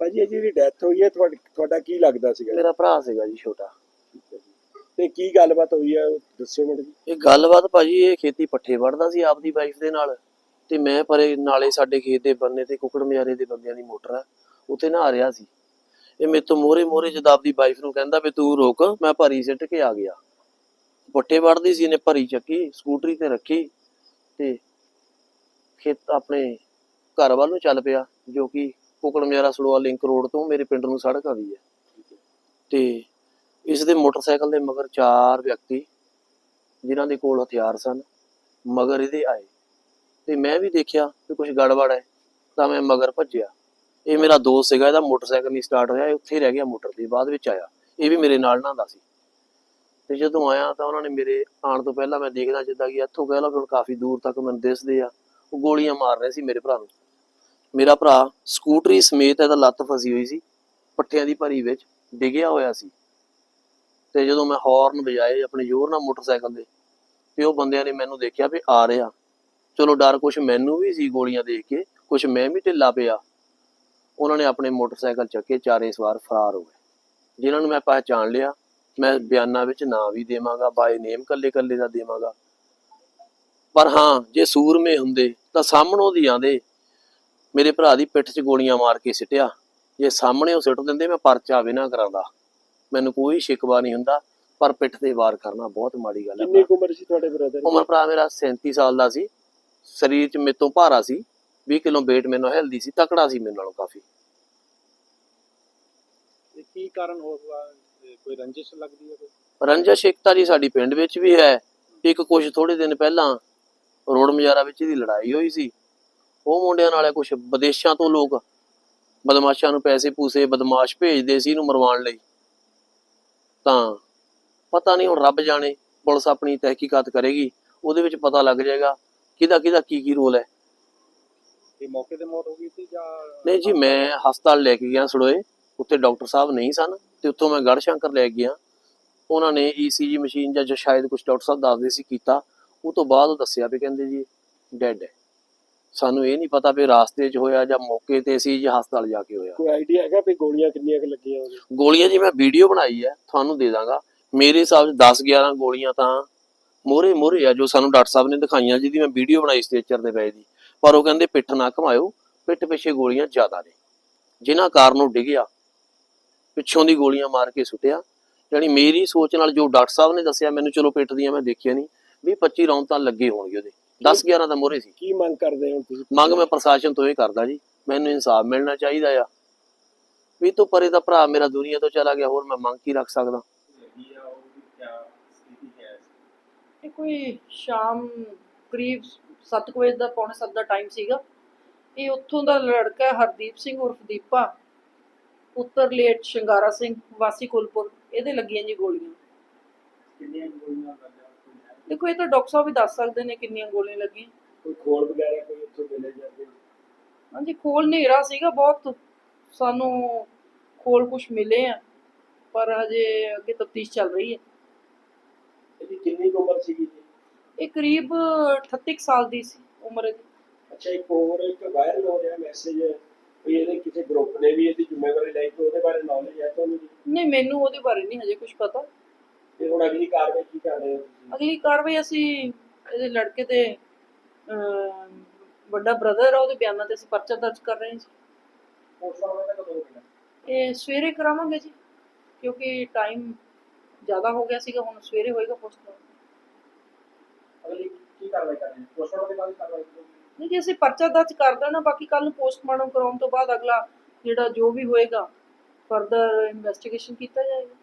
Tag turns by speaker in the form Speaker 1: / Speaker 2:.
Speaker 1: ਭਾਜੀ ਜਿਹੜੀ ਡੈਥ ਹੋਈ ਹੈ ਤੁਹਾਡਾ ਕੀ ਲੱਗਦਾ ਸੀਗਾ?
Speaker 2: ਮੇਰਾ ਭਰਾ ਸੀਗਾ ਜੀ ਛੋਟਾ।
Speaker 1: ਤੇ ਕੀ ਗੱਲਬਾਤ ਹੋਈ ਹੈ ਦੱਸਿਓ ਮੈਨੂੰ ਜੀ।
Speaker 2: ਇਹ ਗੱਲਬਾਤ ਭਾਜੀ, ਇਹ ਖੇਤੀ ਪੱਠੇ ਵੜਦਾ ਸੀ ਆਪਦੀ ਵਾਈਫ ਦੇ ਨਾਲ, ਤੇ ਮੈਂ ਪਰੇ ਨਾਲੇ ਸਾਡੇ ਖੇਤ ਦੇ ਬੰਨੇ ਤੇ ਕੁਕੜ ਮਜਾਰੇ ਦੇ ਬੰਦਿਆਂ ਦੀ ਮੋਟਰ ਆ, ਉੱਥੇ ਨਹਾ ਰਿਹਾ ਸੀ। ਇਹ ਮੇਰੇ ਤੋਂ ਮੋਰੇ ਜਦ ਆਪਦੀ ਵਾਈਫ ਨੂੰ ਕਹਿੰਦਾ ਵੀ ਤੂੰ ਰੁਕ, ਮੈਂ ਭਰੀ ਸਿੱਟ ਕੇ ਆ ਗਿਆ। ਪੱਠੇ ਵੜਦੀ ਸੀ, ਇਹਨੇ ਭਰੀ ਚੱਕੀ ਸਕੂਟਰੀ ਤੇ ਰੱਖੀ ਤੇ ਖੇਤ ਆਪਣੇ ਘਰ ਵੱਲ ਨੂੰ ਚੱਲ ਪਿਆ, ਜੋ ਕਿ ਕੁਕੜ ਮਜਾਰਾ ਸੜੋਆ ਲਿੰਕ ਰੋਡ ਤੋਂ ਮੇਰੇ ਪਿੰਡ ਨੂੰ ਸੜਕ ਆਉਂਦੀ ਹੈ। ਤੇ ਇਸ ਦੇ ਮੋਟਰਸਾਈਕਲ ਦੇ ਮਗਰ 4 ਵਿਅਕਤੀ ਜਿਨ੍ਹਾਂ ਦੇ ਕੋਲ ਹਥਿਆਰ ਸਨ ਮਗਰ ਇਹਦੇ ਆਏ, ਤੇ ਮੈਂ ਵੀ ਦੇਖਿਆ ਕਿ ਕੁਝ ਗੜਬੜ ਹੈ, ਤਾਂ ਮੈਂ ਮਗਰ ਭੱਜਿਆ। ਇਹ ਮੇਰਾ ਦੋਸਤ ਸੀਗਾ, ਇਹਦਾ ਮੋਟਰਸਾਈਕਲ ਨਹੀਂ ਸਟਾਰਟ ਹੋਇਆ, ਇਹ ਉੱਥੇ ਹੀ ਰਹਿ ਗਿਆ ਮੋਟਰ ਤੇ, ਬਾਅਦ ਵਿੱਚ ਆਇਆ। ਇਹ ਵੀ ਮੇਰੇ ਨਾਲ ਨਹਾਉਂਦਾ ਸੀ। ਤੇ ਜਦੋਂ ਆਇਆ ਤਾਂ ਉਹਨਾਂ ਨੇ ਮੇਰੇ ਆਉਣ ਤੋਂ ਪਹਿਲਾਂ ਮੈਂ ਦੇਖਦਾ ਜਿੱਦਾਂ ਕਿ ਇੱਥੋਂ ਕਹਿ ਲਓ ਹੁਣ ਕਾਫੀ ਦੂਰ ਤੱਕ ਮੈਨੂੰ ਦਿਸਦੇ ਆ, ਉਹ ਗੋਲੀਆਂ ਮਾਰ ਰਹੇ ਸੀ ਮੇਰੇ ਭਰਾ ਨੂੰ। ਮੇਰਾ ਭਰਾ ਸਕੂਟਰੀ ਸਮੇਤ ਇਹਦਾ ਲੱਤ ਫਸੀ ਹੋਈ ਸੀ, ਪੱਠਿਆਂ ਦੀ ਭਰੀ ਵਿੱਚ ਡਿੱਗਿਆ ਹੋਇਆ ਸੀ। ਤੇ ਜਦੋਂ ਮੈਂ ਹੌਰਨ ਵਜਾਏ ਆਪਣੇ ਜ਼ੋਰ ਨਾਲ ਮੋਟਰਸਾਈਕਲ ਦੇ, ਤੇ ਉਹ ਬੰਦਿਆਂ ਨੇ ਮੈਨੂੰ ਦੇਖਿਆ ਵੀ ਆ ਰਿਹਾ। ਚਲੋ ਡਰ ਕੁਛ ਮੈਨੂੰ ਵੀ ਸੀ ਗੋਲੀਆਂ ਦੇਖ ਕੇ, ਕੁਛ ਮੈਂ ਵੀ ਢਿੱਲਾ ਪਿਆ। ਉਹਨਾਂ ਨੇ ਆਪਣੇ ਮੋਟਰਸਾਈਕਲ ਚੱਕੇ, 4 ਸਵਾਰ ਫਰਾਰ ਹੋ ਗਏ, ਜਿਨ੍ਹਾਂ ਨੂੰ ਮੈਂ ਪਹਿਚਾਣ ਲਿਆ। ਮੈਂ ਬਿਆਨਾਂ ਵਿੱਚ ਨਾਂ ਵੀ ਦੇਵਾਂਗਾ, ਬਾਏ ਨੇਮ ਕੱਲੇ ਦਾ ਦੇਵਾਂਗਾ। ਪਰ ਹਾਂ, ਜੇ ਸੂਰਮੇ ਹੁੰਦੇ ਤਾਂ ਸਾਹਮਣੋਂ ਦੀ ਆਂਦੇ ਮੇਰੇ ਭਰਾ ਦੀ ਪਿੱਠ 'ਚ ਗੋਲੀਆਂ ਮਾਰ ਕੇ ਸਿੱਟਿਆ। ਜੇ ਸਾਹਮਣੇ ਉਹ ਸਿੱਟ ਦਿੰਦੇ, ਮੈਂ ਪਰਚਾ ਵੀ ਨਾ ਕਰਾਂਦਾ, ਮੈਨੂੰ ਕੋਈ ਸ਼ਿਕਵਾ ਨਹੀਂ ਹੁੰਦਾ। ਪਰ ਪਿੱਠ ਤੇ ਵਾਰ ਕਰਨਾ ਬਹੁਤ ਮਾੜੀ ਗੱਲ ਹੈ।
Speaker 1: ਕਿੰਨੀ ਉਮਰ ਸੀ ਤੁਹਾਡੇ ਬ੍ਰਦਰ ਦੀ?
Speaker 2: ਉਮਰ ਭਰਾ ਮੇਰਾ 37 ਸਾਲ ਦਾ ਸੀ। ਸਰੀਰ 'ਚ ਮੇਰੇ ਤੋਂ ਭਾਰਾ ਸੀ, 20 ਕਿਲੋ weight ਮੈਨੂੰ ਹੈਲਦੀ ਸੀ, ਤਕੜਾ ਸੀ ਮੇਰੇ ਨਾਲੋਂ ਕਾਫੀ।
Speaker 1: ਕੀ ਕਾਰਨ ਹੋਊਗਾ? ਕੋਈ ਰੰਜਿਸ਼ ਲੱਗਦੀ ਹੈ?
Speaker 2: ਰੰਜਿਸ਼ ਇੱਕ ਤਾਂ ਜੀ ਸਾਡੀ ਪਿੰਡ ਵਿੱਚ ਵੀ ਹੈ, ਇੱਕ ਕੁਝ ਥੋੜੇ ਦਿਨ ਪਹਿਲਾਂ ਰੋਡ ਮਜਾਰਾ ਵਿੱਚ ਇਹਦੀ ਲੜਾਈ ਹੋਈ ਸੀ। ਉਹ ਮੁੰਡਿਆਂ ਨਾਲ ਕੁਝ ਵਿਦੇਸ਼ਾਂ ਤੋਂ ਲੋਕ ਬਦਮਾਸ਼ਾਂ ਨੂੰ ਪੈਸੇ ਪੂਸੇ ਬਦਮਾਸ਼ ਭੇਜਦੇ ਸੀ ਇਹਨੂੰ ਮਰਵਾਉਣ ਲਈ। ਤਾਂ ਪਤਾ ਨਹੀਂ, ਹੁਣ ਰੱਬ ਜਾਣੇ, ਪੁਲਿਸ ਆਪਣੀ ਤਹਿਕੀਕਾਤ ਕਰੇਗੀ, ਉਹਦੇ ਵਿੱਚ ਪਤਾ ਲੱਗ ਜਾਏਗਾ ਕਿਹਦਾ ਕੀ ਰੋਲ ਹੈ।
Speaker 1: ਇਹ ਮੌਕੇ ਤੇ ਮੌਤ ਹੋ ਗਈ ਸੀ ਜਾਂ
Speaker 2: ਨਹੀਂ ਜੀ, ਮੈਂ ਹਸਪਤਾਲ ਲੈ ਕੇ ਗਿਆ ਸੜੋਏ, ਉੱਥੇ ਡਾਕਟਰ ਸਾਹਿਬ ਨਹੀਂ ਸਨ, ਤੇ ਉੱਥੋਂ ਮੈਂ ਗੜਸ਼ੰਕਰ ਲੈ ਗਿਆ। ਉਹਨਾਂ ਨੇ ECG ਮਸ਼ੀਨ ਜਾਂ ਸ਼ਾਇਦ ਕੁਝ ਡਾਕਟਰ ਸਾਹਿਬ ਦੱਸਦੇ ਸੀ ਕੀਤਾ, ਉਹ ਤੋਂ ਬਾਅਦ ਉਹ ਦੱਸਿਆ ਵੀ ਕਹਿੰਦੇ ਜੀ ਡੈਡ ਹੈ। ਸਾਨੂੰ ਇਹ ਨਹੀਂ ਪਤਾ ਵੀ ਰਾਸਤੇ 'ਚ ਹੋਇਆ ਜਾਂ ਮੌਕੇ ਤੇ ਸੀ ਜਾਂ ਹਸਪਤਾਲ ਜਾ ਕੇ ਹੋਇਆ।
Speaker 1: ਕੋਈ ਆਈਡੀਆ ਹੈਗਾ ਵੀ ਗੋਲੀਆਂ ਕਿੰਨੀਆਂ ਕੁ ਲੱਗੀਆਂ?
Speaker 2: ਗੋਲੀਆਂ ਜੀ ਮੈਂ ਵੀਡੀਓ ਬਣਾਈ ਹੈ, ਤੁਹਾਨੂੰ ਦੇ ਦਾਂਗਾ। ਮੇਰੇ ਹਿਸਾਬ 'ਚ 10-11 ਗੋਲੀਆਂ ਤਾਂ ਮੋਹਰੇ ਆ ਜੋ ਸਾਨੂੰ ਡਾਕਟਰ ਸਾਹਿਬ ਨੇ ਦਿਖਾਈਆਂ, ਜਿਹਦੀ ਮੈਂ ਵੀਡੀਓ ਬਣਾਈ ਸਟ੍ਰੈਚਰ ਦੇ ਪਏ ਦੀ। ਪਰ ਉਹ ਕਹਿੰਦੇ ਪਿੱਠ ਨਾ ਘਮਾਇਓ, ਪਿੱਠ ਪਿੱਛੇ ਗੋਲੀਆਂ ਜ਼ਿਆਦਾ ਨੇ, ਜਿਨ੍ਹਾਂ ਕਾਰਨ ਉਹ ਡਿੱਗਿਆ, ਪਿੱਛੋਂ ਦੀ ਗੋਲੀਆਂ ਮਾਰ ਕੇ ਸੁੱਟਿਆ। ਯਾਨੀ ਮੇਰੀ ਸੋਚ ਨਾਲ ਜੋ ਡਾਕਟਰ ਸਾਹਿਬ ਨੇ ਦੱਸਿਆ ਮੈਨੂੰ, ਚਲੋ ਪਿੱਠ ਦੀਆਂ ਮੈਂ ਦੇਖਿਆ ਨਹੀਂ, 20-25 ਰਾਉਂਡ ਤਾਂ ਲੱਗੇ ਹੋਣਗੇ ਉਹਦੇ, 10-11 ਤਾਂ ਮੋਹਰੇ ਸੀ।
Speaker 1: ਕੀ ਮੰਗ ਕਰਦੇ ਹੋ ਤੁਸੀਂ?
Speaker 2: ਮੰਗ ਮੈਂ ਪ੍ਰਸ਼ਾਸਨ ਤੋਂ ਇਹ ਕਰਦਾ ਜੀ, ਮੈਨੂੰ ਇਨਸਾਫ ਮਿਲਣਾ ਚਾਹੀਦਾ ਆ। ਵੀ ਤੋਂ ਪਰੇ ਦਾ ਭਰਾ ਮੇਰਾ ਦੁਨੀਆ ਤੋਂ ਚਲਾ ਗਿਆ, ਹੋਰ ਮੈਂ ਮੰਗ ਕੀ ਰੱਖ ਸਕਦਾ।
Speaker 3: ਇਹ ਕੋਈ ਸ਼ਾਮ ਕਰੀਬ 7 ਵਜੇ ਦਾ, ਪੌਣੇ 7 ਦਾ ਟਾਈਮ ਸੀਗਾ। ਇਹ ਉੱਥੋਂ ਦਾ ਲੜਕਾ ਹਰਦੀਪ ਸਿੰਘ ਉਰਫ ਦੀਪਾ, ਪੁੱਤਰ ਲੇਟ ਸ਼ਿੰਗਾਰਾ ਸਿੰਘ ਵਾਸੀ ਕੁਲਪੁਰ, ਇਹਦੇ ਲੱਗੀਆਂ ਜੀ ਗੋਲੀਆਂ।
Speaker 1: ਕਿੰਨੀਆਂ ਗੋਲੀਆਂ?
Speaker 3: ਦੇਖੋ ਇਹ ਤਾਂ ਡਾਕਟਰ ਸਾਹਿਬ ਵੀ ਦੱਸ ਸਕਦੇ ਨੇ ਕਿੰਨੀਆਂ ਗੋਲੀਆਂ ਲੱਗੀਆਂ।
Speaker 1: ਕੋਈ ਖੋਲ ਵਗੈਰਾ ਕੋਈ ਉੱਥੋਂ ਮਿਲੇ ਜਾਂਦੇ?
Speaker 3: ਹਾਂਜੀ, ਖੋਲ ਹਨੇਰਾ ਸੀਗਾ ਬਹੁਤ, ਸਾਨੂੰ ਖੋਲ ਕੁਛ ਮਿਲੇ ਆ, ਪਰ ਹਜੇ ਅੱਗੇ ਤਫਤੀਸ਼ ਚੱਲ ਰਹੀ ਹੈ।
Speaker 1: ਇਹਦੀ ਕਿੰਨੀ ਉਮਰ ਸੀਗੀ ਜੀ?
Speaker 3: ਇਹ ਕਰੀਬ 38 ਸਾਲ ਦੀ ਸੀ ਉਮਰ ਇਹਦੀ।
Speaker 1: ਅੱਛਾ, ਇੱਕ ਹੋਰ ਇੱਕ ਵਾਇਰਲ ਹੋ ਰਿਹਾ ਮੈਸੇਜ ਵੀ ਇਹਦੇ ਕਿਸੇ ਗਰੁੱਪ ਨੇ ਵੀ ਇਹਦੀ ਜ਼ਿੰਮੇਵਾਰੀ ਲਈ, ਉਹਦੇ ਬਾਰੇ ਨੌਲੇਜ ਹੈ ਤੁਹਾਨੂੰ ਜੀ?
Speaker 3: ਨਹੀਂ, ਮੈਨੂੰ ਉਹਦੇ ਬਾਰੇ ਨਹੀਂ ਹਜੇ ਕੁਝ ਪਤਾ।
Speaker 1: ਤੇ ਹੁਣ ਅਗਲੀ ਕਾਰਵਾਈ ਕੀ ਕਰ ਰਹੇ ਹੋ ਤੁਸੀਂ?
Speaker 3: ਅਗਲੀ ਕਾਰਵਾਈ ਅਸੀਂ ਇਹਦੇ ਲੜਕੇ ਦੇ ਵੱਡਾ ਬ੍ਰਦਰ ਆ, ਉਹਦੇ ਬਿਆਨਾਂ ਤੇ ਅਸੀਂ ਪਰਚਾ ਦਰਜ ਕਰ ਰਹੇ ਹਾਂ ਜੀ।
Speaker 1: ਪੋਸਟਮਾਰਟਮ ਕਦੋਂ ਹੋਣਾ?
Speaker 3: ਇਹ ਸਵੇਰੇ ਕਰਾਵਾਂਗੇ ਜੀ, ਕਿਉਂਕਿ ਟਾਈਮ ਜ਼ਿਆਦਾ ਹੋ ਗਿਆ ਸੀਗਾ, ਹੁਣ ਸਵੇਰੇ ਹੋਏਗਾ ਪੋਸਟਮਾਰਟਮ।
Speaker 1: ਅਗਲੀ ਕੀ ਕਾਰਵਾਈ ਕਰਨੀ ਹੈ? ਪੋਸਟਮਾਰਟਮ ਦੇ ਬਾਅਦ ਕਾਰਵਾਈ ਕਰੋਗੇ?
Speaker 3: ਨਹੀਂ ਜੀ, ਅਸੀਂ ਪਰਚਾ ਦਰਜ ਕਰ ਦੇਣਾ, ਬਾਕੀ ਕੱਲ ਨੂੰ ਪੋਸਟਮਾਰਟਮ ਕਰਾਉਣ ਤੋਂ ਬਾਅਦ ਅਗਲਾ ਜਿਹੜਾ ਜੋ ਵੀ ਹੋਏਗਾ ਫਰਦਰ ਇਨਵੈਸਟੀਗੇਸ਼ਨ ਕੀਤਾ ਜਾਏਗਾ।